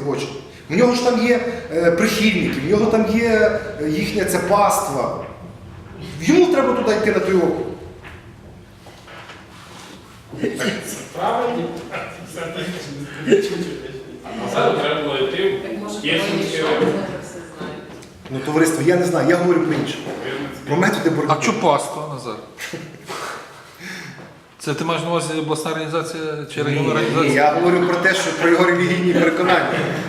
робочий. У нього ж там є прихильники, в нього там є їхня ця паства. Йому треба туди йти на той округ. Правильно? А зараз треба було йти. Ну, товариство, я не знаю, я говорю про інше. Про методи боротьби. А чого паства, Назар? Це ти маєш на увазі обласна організація чи районна Ні, організація? я говорю про те, що про його релігійні переконання.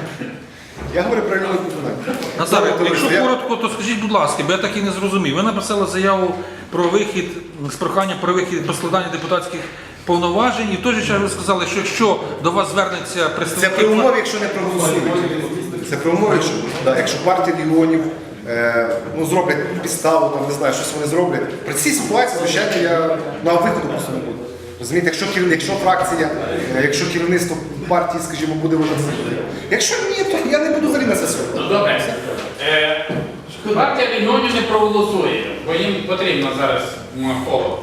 Я говорю про релігійні переконання. Назар, Добре, якщо товариство, коротко, то скажіть, будь ласка, бо я так і не зрозумів. Ви написали заяву про вихід, з проханням про вихід, про складання депутатських повноважень, і в той же час ви сказали, що якщо до вас звернеться Це представник... при умові, якщо не проголосують. Це при умові, якщо партія регіонів зроблять підставу, там, не знаю, щось вони зроблять. При цій ситуації, звичайно, я на виходу просто не буду. Розумієте, якщо фракція, якщо керівництво партії, скажімо, буде вважати за потрібне. Якщо ні, то я не буду взагалі на це сьогодні. Ну добре. Партія регіонів не проголосує, бо їм потрібно зараз холод.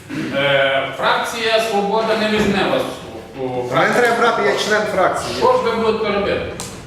Фракція Свобода не візьме вас у Мене фракцію. треба брати, я член фракції. Що ж ви будете робити?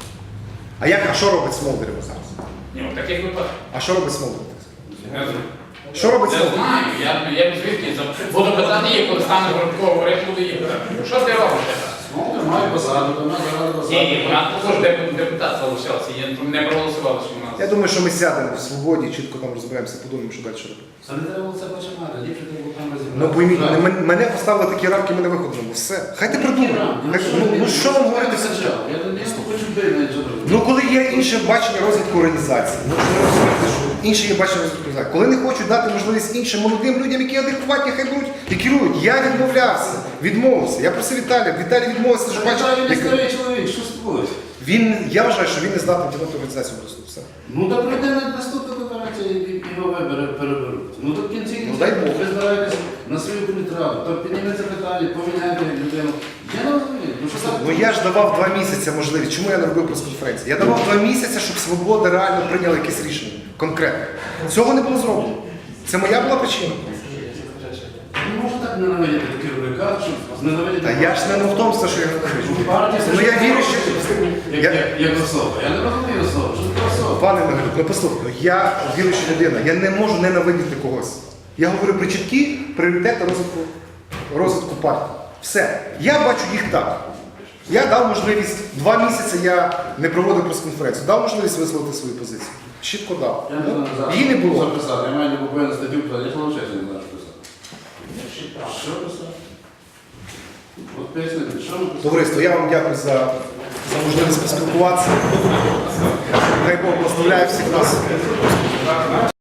А що робить Смолдерів зараз? Ні, в таких випадках. А що робить Смолдерів? Не знаю. Що робить Не Смолдерів? знаю, я звідки буду питати їх, коли стане Городко говорити, буду їх питати. Що ти робиш? Має посаду, вона зараз посаду. Ні, вона також депутат залишався, не проголосували, що в нас. Я думаю, що ми сядемо в свободі, чітко там розберемося, подумаємо, що далі робити. Це не треба було це починати, ліпше треба було там розібрати. Ну пойміть, мене поставили такі рамки, мене виходимо. Все. Хай ти придумають. Ну що вам говорити? Я не хочу бити на цього. Ну коли є інше бачення розвитку організації, ну що ви розумієте, що інше є бачення розвитку організації. Коли не хочуть дати можливість іншим молодим людям, які адекватні, хай беруть і керують. Я відмовлявся, відмовився. Я просив Віталія, Віталій відмовився, що бачив. Він не старий чоловік, що спорить? Я вважаю, що він не здатний тягнути організацію просто. Все. Ну так прийде на наступну конференцію і його переберуть. Ну так в кінці Ну, дай Бог. ви збираєтесь на свою політраду, то підніметься питання, поміняйте людину. Я не розумію. Ну що так? Ну я ж давав 2 місяці можливість. Чому я не робив прес-конференції? Я давав 2 місяці, щоб Свобода реально прийняла якесь рішення. Конкретне. Цього не було зроблено. Це моя була причина. Не можна так ненавидіти керівника, щоб зненавидіти. Та я ж не в тому, що я Ну, партія, Ну я вірю, що... як особа. Я не розумію особу. Що це особа? Пане Михайло, ну послухайте, я віруюча людина, я не можу ненавидіти когось. Я говорю про чіткі пріоритети розвитку партії. Все. Я бачу їх так. Я дав можливість, 2 місяці я не проводив прес-конференцію, дав можливість висловити свою позицію. Чітко дав. Я не знаю, зараз Її не було. записати. Я маю буквально статтю писати. Я взагалі не знаю, що писати. Що писати? От пояснити, що ми писати? Товариство, я вам дякую за можливість поспілкуватися. Хай Бог благословляє всіх нас.